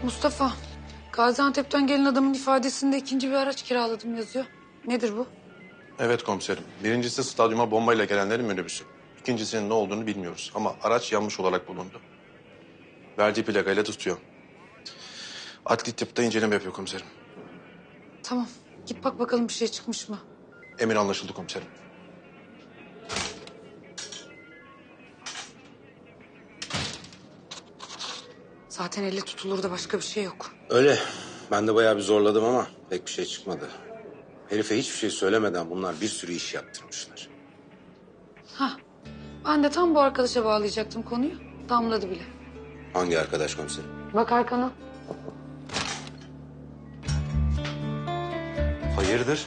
Mustafa, Gaziantep'ten gelen adamın ifadesinde ikinci bir araç kiraladım yazıyor. Nedir bu? Evet komiserim. Birincisi stadyuma bombayla gelenlerin minibüsü. İkincisinin ne olduğunu bilmiyoruz ama araç yanmış olarak bulundu. Verdiği plakayla tutuyor. Adli tıpta inceleme yapıyor komiserim. Tamam, git bak bakalım bir şey çıkmış mı? Emir anlaşıldı komiserim. Zaten elle tutulur da başka bir şey yok. Öyle. Ben de bayağı bir zorladım ama pek bir şey çıkmadı. Herife hiçbir şey söylemeden bunlar bir sürü iş yaptırmışlar. Hah, ben de tam bu arkadaşa bağlayacaktım konuyu. Damladı bile. Hangi arkadaş komiserim? Bak arkana. Hayırdır?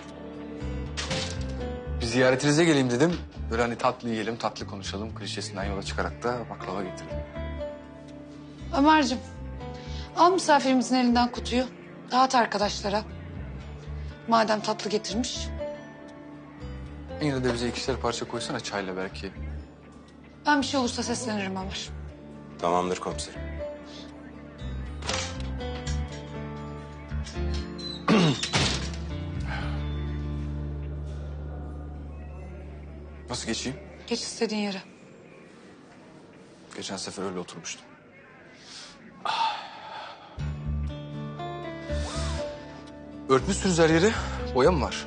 Bir ziyaretinize geleyim dedim. Böyle hani tatlı yiyelim, tatlı konuşalım klişesinden yola çıkarak da baklava getirdim. Ömerciğim, al misafirimizin elinden kutuyu. Dağıt arkadaşlara. Madem tatlı getirmiş. Yine de bize ikişer parça koysana çayla belki. Ben bir şey olursa seslenirim Ömer. Tamamdır komiserim. Nasıl geçeyim? Geç istediğin yere. Geçen sefer öyle oturmuştum. Örtmüşsünüz her yeri. Boya mı var?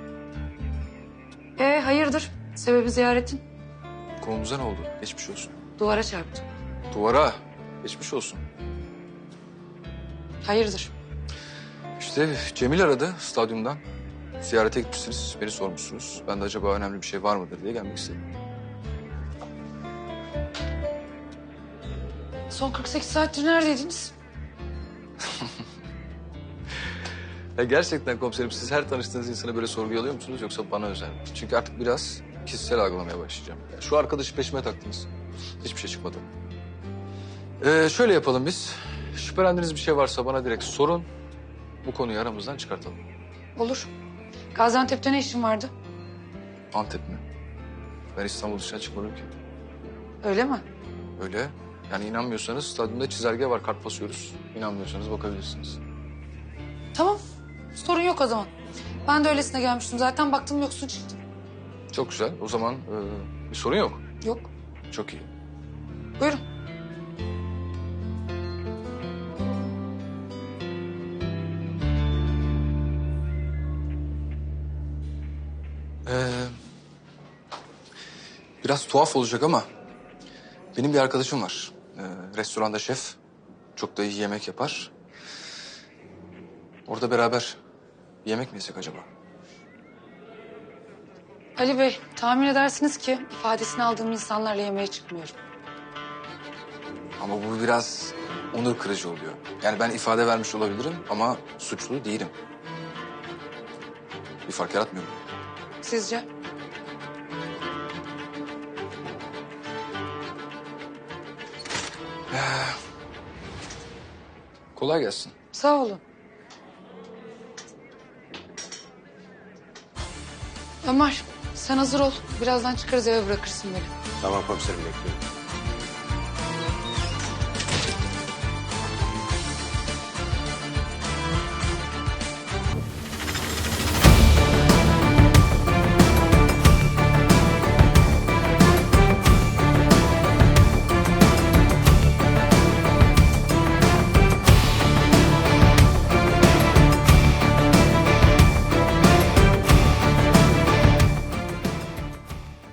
Hayırdır? Sebebi ziyaretin? Kolunuza ne oldu? Geçmiş olsun. Duvara çarptım. Duvara. Geçmiş olsun. Hayırdır? İşte Cemil aradı stadyumdan. Ziyarete gitmişsiniz, beni sormuşsunuz. Ben de acaba önemli bir şey var mıdır diye gelmek istedim. Son 48 saattir neredeydiniz? Ya gerçekten komiserim siz her tanıştığınız insanı böyle sorguya alıyor musunuz yoksa bana özel mi? Çünkü artık biraz kişisel algılamaya başlayacağım. Ya şu arkadaşı peşime taktınız. Hiçbir şey çıkmadı. Şöyle yapalım biz. Şüphelendiğiniz bir şey varsa bana direkt sorun. Bu konuyu aramızdan çıkartalım. Olur. Gaziantep'te ne işin vardı? Antep mi? Ben İstanbul dışına çıkmadım ki. Öyle mi? Öyle. Yani inanmıyorsanız stadyumda çizelge var, kart basıyoruz. İnanmıyorsanız bakabilirsiniz. Tamam. Sorun yok o zaman. Ben de öylesine gelmiştim. Zaten baktım yoksun çıktım. Çok güzel. O zaman bir sorun yok. Yok. Çok iyi. Buyurun. Biraz tuhaf olacak ama benim bir arkadaşım var. Restoranda şef. Çok da iyi yemek yapar. Orada beraber bir yemek mi yesek acaba? Ali Bey, tahmin edersiniz ki ifadesini aldığım insanlarla yemeğe çıkmıyorum. Ama bu biraz onur kırıcı oluyor. Yani ben ifade vermiş olabilirim ama suçlu değilim. Bir fark yaratmıyor mu? Sizce? Kolay gelsin. Sağ olun. Ömer, sen hazır ol. Birazdan çıkarız eve bırakırsın beni. Tamam komiserim bekliyorum.